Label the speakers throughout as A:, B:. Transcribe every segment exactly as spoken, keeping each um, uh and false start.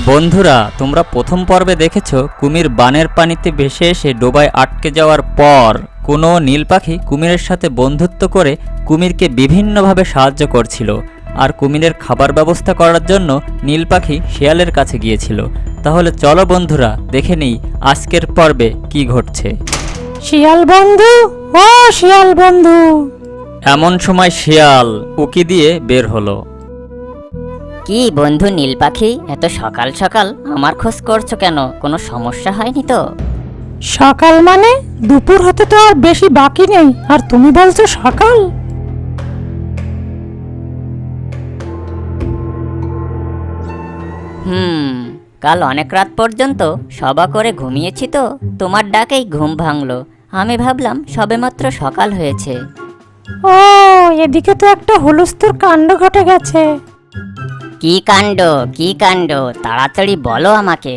A: বন্ধুরা, তোমরা প্রথম পর্বে দেখেছো কুমির বানের পানিতে ভেসে এসে ডোবায় আটকে যাওয়ার পর কোনো নীল পাখি কুমিরের সাথে বন্ধুত্ব করে কুমিরকে বিভিন্নভাবে সাহায্য করছিল। আর কুমিরের খাবার ব্যবস্থা করার জন্য নীল পাখি শিয়ালের কাছে গিয়েছিল। তাহলে চলো বন্ধুরা, দেখে নিই আজকের পর্বে কি ঘটছে।
B: শিয়াল বন্ধু, ও শিয়াল বন্ধু।
A: এমন সময় শিয়াল উকি দিয়ে বের হলো।
C: কি বন্ধু নীল পাখি, এত সকাল সকাল আমার খোঁজ করছো কেন? কোনো সমস্যা হয়নি তো?
B: সকাল মানে দুপুর হতে তো আর বেশি বাকি নেই, আর তুমি বলছো সকাল?
C: হুম কাল অনেক রাত পর্যন্ত সবা করে ঘুমিয়েছি তো, তোমার ডাকেই ঘুম ভাঙলো। আমি ভাবলাম সবেমাত্র সকাল হয়েছে।
B: ও, এদিকে তো একটা হুলস্থুল কাণ্ড ঘটে গেছে।
C: কি কাণ্ড কি কাণ্ড তাড়াতাড়ি বলো আমাকে।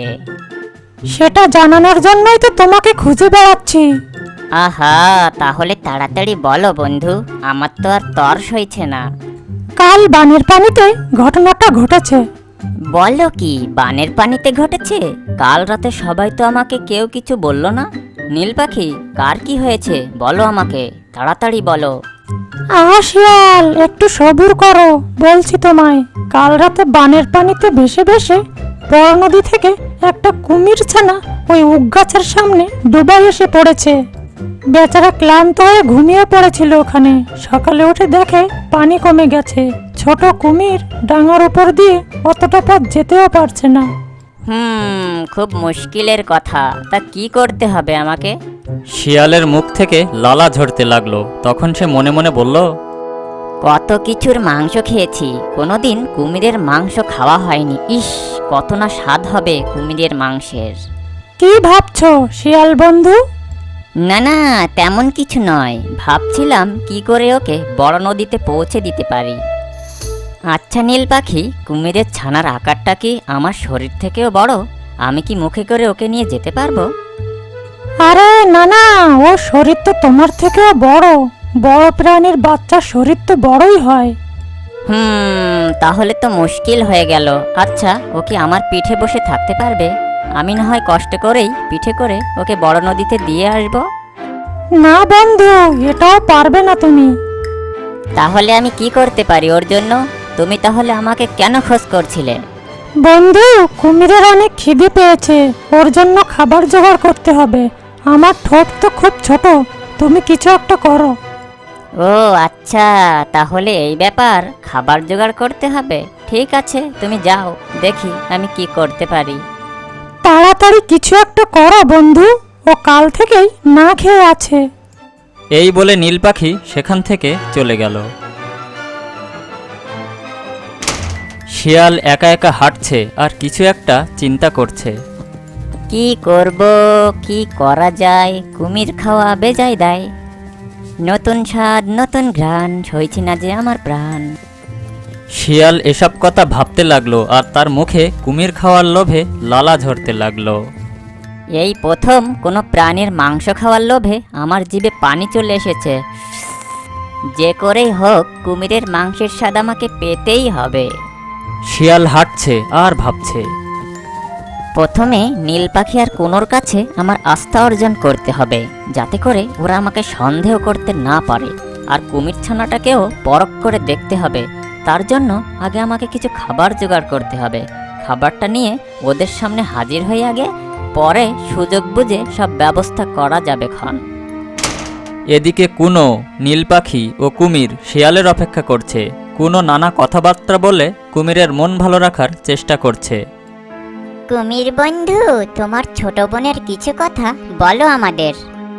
B: সেটা জানানোর জন্যই তো তোমাকে খুঁজে বেড়াচ্ছি।
C: আহা, তাহলে তাড়াতাড়ি বলো বন্ধু, আমার তো আর তর সইছে না।
B: কাল বানের পানিতে ঘটনাটা ঘটেছে।
C: বলো কি, বানের পানিতে ঘটেছে? কাল রাতে সবাই তো আমাকে কেউ কিছু বললো না। নীল পাখি, কার কি হয়েছে বলো আমাকে, তাড়াতাড়ি বলো।
B: আহা শিয়াল, একটু সবুর করো, বলছি তোমায়। কাল রাতে বানের পানিতে ভেসে ভেসে বড় নদী থেকে একটা কুমির ছানা ওই উক গাছের সামনে ডুবাই এসে পড়েছে। বেচারা ক্লান্ত হয়ে ঘুমিয়ে পড়েছিল ওখানে। সকালে উঠে দেখে পানি কমে গেছে। ছোট কুমির ডাঙার উপর দিয়ে অতটা পথ যেতেও পারছে না।
C: হুম খুব মুশকিলের কথা, তা কি করতে হবে আমাকে?
A: শিয়ালের মুখ থেকে লালা ঝরতে লাগলো। তখন সে মনে মনে বলল,
C: কত কিছুর মাংস খেয়েছি, কোনোদিন কুমিরের মাংস খাওয়া হয়নি। ইস, কত না স্বাদ হবে কুমিরের মাংসের।
B: কি ভাবছো শিয়াল বন্ধু?
C: না না, তেমন কিছু নয়। ভাবছিলাম কি করে ওকে বড় নদীতে পৌঁছে দিতে পারি। আচ্ছা নীল পাখি, কুমিরের ছানার আকারটা কি আমার শরীর থেকেও বড়? আমি কি মুখে করে ওকে নিয়ে যেতে পারবো?
B: আরে না না, ও শরীর তো তোমার থেকেও বড়। বড় প্রাণীর বাচ্চার শরীর তো বড়ই হয়।
C: হুম তাহলে তো মুশকিল হয়ে গেল। আচ্ছা, ও কি আমার পিঠে বসে থাকতে পারবে? আমি না হয় কষ্ট করেই পিঠে করে ওকে বড় নদীতে দিয়ে আসবো।
B: না বন্ধু, এটাও পারবে না তুমি।
C: তাহলে আমি কি করতে পারি ওর জন্য? তুমি তাহলে আমাকে কেন খোঁজ করছিলে?
B: বন্ধু, কুমিরের অনেক খিদে পেয়েছে, ওর জন্য খাবার জোগাড় করতে হবে। আমার ঠোঁট তো খুব ছোট, তুমি কিছু একটা করো।
C: ও আচ্ছা, তাহলে এই ব্যাপার, খাবার জোগাড় করতে হবে। ঠিক আছে, তুমি যাও, দেখি আমি কি করতে পারি।
B: তাড়াতাড়ি কিছু একটা করো বন্ধু, ও কাল থেকেই না খেয়ে আছে।
A: এই বলে নীল পাখি সেখান থেকে চলে গেল। শিয়াল একা একা হাঁটছে আর কিছু একটা চিন্তা করছে।
C: কি করব, কি করা যায়? কুমির খাওয়া বেজায় দেয়, নতুন স্বাদ নতুন ঘ্রাণ, সইছি না যে আমার প্রাণ।
A: শিয়াল এসব কথা ভাবতে লাগলো আর তার মুখে কুমির খাওয়ার লোভে লালা ঝরতে লাগলো।
C: এই প্রথম কোনো প্রাণীর মাংস খাওয়ার লোভে আমার জিভে পানি চলে এসেছে। যে করেই হোক কুমিরের মাংসের স্বাদ আমাকে পেতেই হবে।
A: শিয়াল হাঁটছে আর ভাবছে।
C: প্রথমে নীল পাখি আর কোনোর কাছে আমার আস্থা অর্জন করতে হবে, যাতে করে ওরা আমাকে সন্দেহ করতে না পারে। আর কুমির ছানাটাকেও পরখ করে দেখতে হবে। তার জন্য আগে আমাকে কিছু খাবার জোগাড় করতে হবে। খাবারটা নিয়ে ওদের সামনে হাজির হয়ে আগে, পরে সুযোগ বুঝে সব ব্যবস্থা করা যাবে ক্ষণ।
A: এদিকে কুনো, নীল পাখি ও কুমির শিয়ালের অপেক্ষা করছে। কুনো নানা কথাবার্তা বলে কুমিরের মন ভালো রাখার চেষ্টা করছে।
D: কুমির বন্ধু, তোমার ছোট বোনের কিছু কথা বলো আমাদের।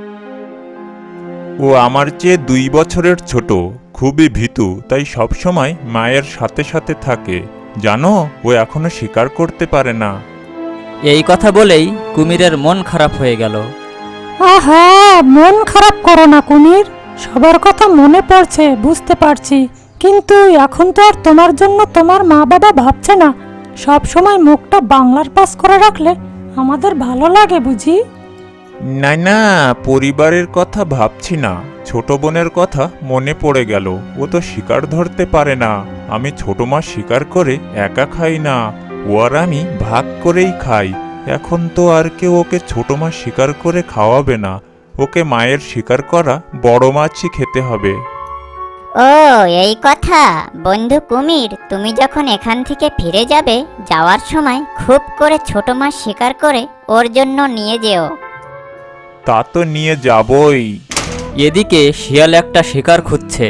E: ও আমার চেয়ে দুই বছরের ছোট, খুবই ভীতু, তাই সব সময় মায়ের সাথে সাথে থাকে। জানো, ও এখনো শিকার করতে পারে না।
A: এই কথা বলেই কুমিরের মন খারাপ হয়ে গেল।
B: আহা, মন খারাপ করো না কুমির, সবার কথা মনে পড়ছে, বুঝতে পারছি। কিন্তু এখন তো আর তোমার জন্য তোমার মা বাবা ভাবছে না। সব সময় মুখটা বাংলার পাস করে রাখলে আমাদের ভালো লাগে বুঝি।
E: না না, পরিবারের কথা ভাবছি না, ছোট বোনের কথা মনে পড়ে গেল। ও তো শিকার ধরতে পারে না। আমি ছোট মাছ শিকার করে একা খাই না, ও ও আর আমি ভাগ করেই খাই। এখন তো আর কেউ ওকে ছোট মাছ শিকার করে খাওয়াবে না, ওকে মায়ের শিকার করা বড় মাছই খেতে হবে।
D: ও এই কথা। বন্ধু কুমির, তুমি যখন এখান থেকে ফিরে যাবে, যাওয়ার সময় খুব করে ছোট মাছ শিকার করে ওর জন্য নিয়ে যেও।
E: তা তো নিয়ে যাবই।
A: এদিকে শিয়াল একটা শিকার খুঁজছে।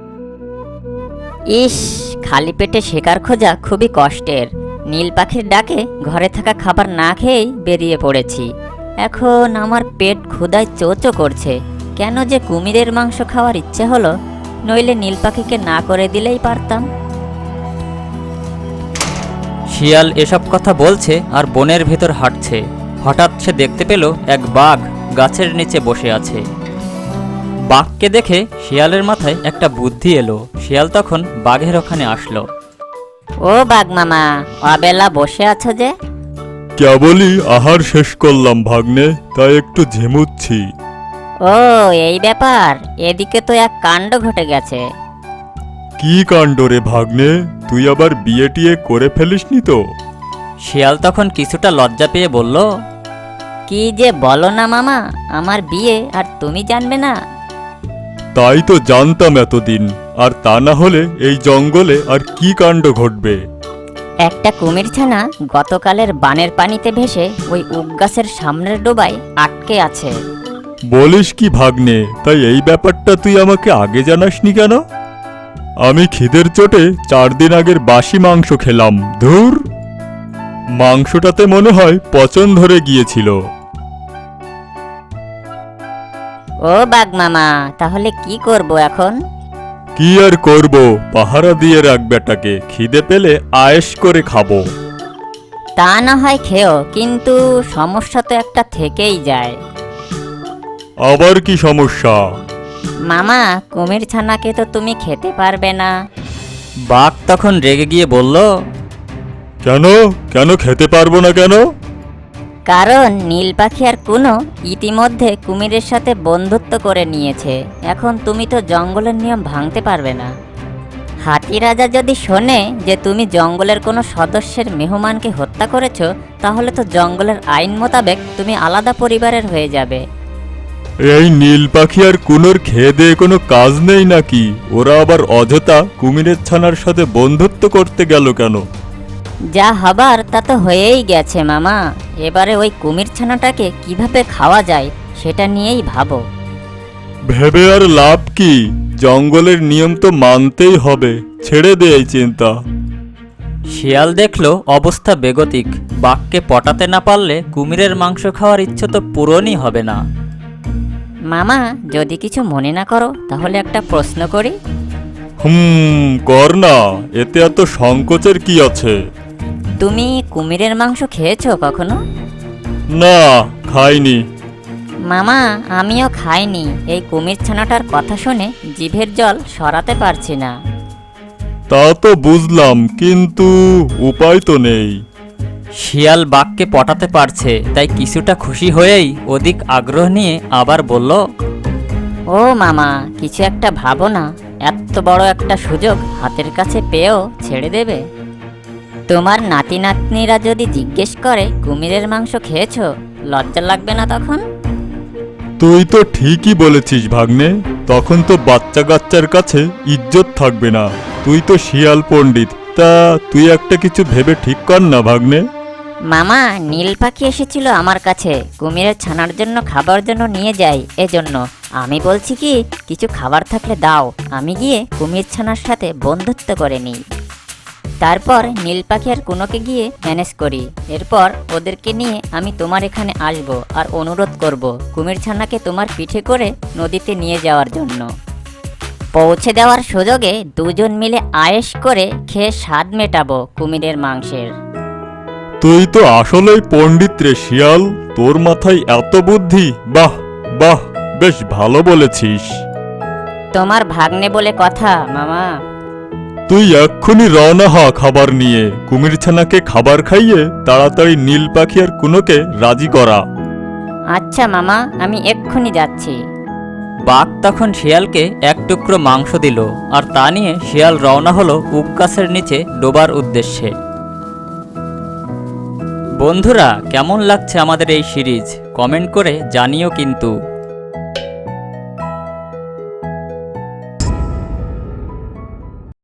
C: ইস, খালি পেটে শিকার খোঁজা খুবই কষ্টের। নীল পাখির ডাকে ঘরে থাকা খাবার না খেয়েই বেরিয়ে পড়েছি। এখন আমার পেট ক্ষুধায় চোচো করছে। কেন যে কুমিরের মাংস খাওয়ার ইচ্ছে হলো, নইলে নীল পাখিকে না করে দিলেই পারতাম।
A: শিয়াল এসব কথা বলছে আর বনের ভেতর হাঁটছে। হঠাৎ সে দেখতে পেল এক বাঘ গাছের নিচে বসে আছে। বাঘকে দেখে শিয়ালের মাথায় একটা বুদ্ধি এলো। শিয়াল তখন বাঘের ওখানে আসলো।
C: ও বাঘ মামা, অবেলা বসে আছো যে?
F: কেবলই আহার শেষ করলাম ভাগ্নে, তাই একটু ঝিমুচ্ছি।
C: ও এই ব্যাপার। এদিকে তো এক কাণ্ড ঘটে গেছে।
F: কি কাণ্ড রে ভাগ্নে, তুই আবার বিয়ে টিয়ে করে ফেলিসনি তো?
A: শিয়াল তখন কিছুটা লজ্জা পেয়ে বলল,
C: কি যে বলো না মামা, আমার বিয়ে আর তুমি জানবে না?
F: তাই তো জানতাম এতদিন, আর তা না হলে এই জঙ্গলে আর কি কাণ্ড ঘটবে?
C: একটা কুমির ছানা গতকালের বানের পানিতে ভেসে ওই উক গাছের সামনের ডোবায় আটকে আছে।
F: বলিস কি ভাগ্নে, তাই এই ব্যাপারটা তুই আমাকে আগে জানাসনি কেন? আমি খিদের চোটে চার দিন আগের বাসি মাংস খেলাম। ধুর, মাংসটাতে মনে হয় পচন ধরে গিয়েছিল।
C: ও বাঘ মামা, তাহলে কি করব এখন?
F: কি আর করব, পাহারা দিয়ে রাখ বেটাকে, খিদে পেলে আয়েশ করে খাবো।
C: তা না হয় খেও, কিন্তু সমস্যা তো একটা থেকেই যায়।
F: আবার কি সমস্যা?
C: মামা, কুমির ছানাকে তো তুমি খেতে পারবে না।
A: বাঘ তখন রেগে গিয়ে বলল,
F: কেন কেন খেতে পারবো না কেন?
C: কারণ নীল পাখি আর কুনো ইতিমধ্যে কুমিরের সাথে বন্ধুত্ব করে নিয়েছে। এখন তুমি তো জঙ্গলের নিয়ম ভাঙতে পারবে না। হাতি রাজা যদি শোনে যে তুমি জঙ্গলের কোনো সদস্যের মেহমানকে হত্যা করেছো, তাহলে তো জঙ্গলের আইন মোতাবেক তুমি আলাদা পরিবারের হয়ে যাবে।
F: এই নীল পাখি আর কুনোর খেয়ে দিয়ে কোনো কাজ নেই নাকি? ওরা আবার অযথা কুমিরের ছানার সাথে বন্ধুত্ব করতে গেল কেন?
C: যা হবার তা তো হয়েই গেছে মামা। এবারে ওই কুমির ছানাটাকে কিভাবে খাওয়া যায় সেটা নিয়েই ভাবো।
F: ভেবে আর লাভ কি? জঙ্গলের নিয়ম তো মানতেই হবে, ছেড়ে দে এই চিন্তা।
A: শিয়াল দেখলো অবস্থা বেগতিক। বাঘকে পটাতে না পারলে কুমিরের মাংস খাওয়ার ইচ্ছে তো পূরণই হবে না।
C: মামা, যদি কিছু মনে না করো তাহলে একটা প্রশ্ন করি।
F: হুম, কর না, এতে এত সংকোচের কি আছে?
C: তুমি কুমিরের মাংস খেয়েছো কখনো?
F: না, খাইনি।
C: মামা, আমিও খাইনি। এই কুমির ছানাটার কথা শুনে জিভের জল সরাতে পারছি না।
F: তা তো বুঝলাম, কিন্তু উপায় তো নেই।
A: শিয়াল বাঘকে পটাতে পারছে, তাই কিছুটা খুশি হয়েই অধিক আগ্রহ নিয়ে আবার বলল,
C: ও মামা, কিছু একটা ভাবো না। এত বড় একটা সুযোগ হাতের কাছে পেয়েও ছেড়ে দেবে? তোমার নাতি নাতনিরা যদি জিজ্ঞেস করে কুমিরের মাংস খেয়েছো, লজ্জা লাগবে না তখন?
F: তুই তো ঠিকই বলেছিস ভাগ্নে, তখন তো বাচ্চা কাচ্চার কাছে ইজ্জত থাকবে না। তুই তো শিয়াল পণ্ডিত, তা তুই একটা কিছু ভেবে ঠিক কর না ভাগ্নে।
C: মামা, নীল পাখি এসেছিল আমার কাছে কুমিরের ছানার জন্য খাবার জন্য নিয়ে যাই, এজন্য আমি বলছি কি, কিছু খাবার থাকলে দাও, আমি গিয়ে কুমির ছানার সাথে বন্ধুত্ব করে নিই। তারপর নীল পাখি আর কুনোকে গিয়ে ম্যানেজ করি। এরপর ওদেরকে নিয়ে আমি তোমার এখানে আসব আর অনুরোধ করব কুমির ছানাকে তোমার পিঠে করে নদীতে নিয়ে যাওয়ার জন্য। পৌঁছে দেওয়ার সুযোগে দুজন মিলে আয়েশ করে খেয়ে স্বাদ মেটাবো কুমিরের মাংসের।
F: তুই তো আসলেই পণ্ডিত রে শিয়াল, তোর মাথায় এত বুদ্ধি! বাহ বাহ, বেশ ভালো বলেছিস।
C: তোমার ভাগ্নে বলে কথা মামা।
F: তুই এক্ষুনি রওনা হ খাবার নিয়ে। কুমির ছানাকে খাবার খাইয়ে তাড়াতাড়ি নীল পাখি আর কুনোকে রাজি করা।
C: আচ্ছা মামা, আমি এক্ষুনি যাচ্ছি।
A: বাঘ তখন শিয়ালকে এক টুকরো মাংস দিল, আর তা নিয়ে শিয়াল রওনা হলো উক গাছের নিচে ডোবার উদ্দেশ্যে। বন্ধুরা কেমন লাগছে আমাদের এই সিরিজ কমেন্ট করে জানিও কিন্তু।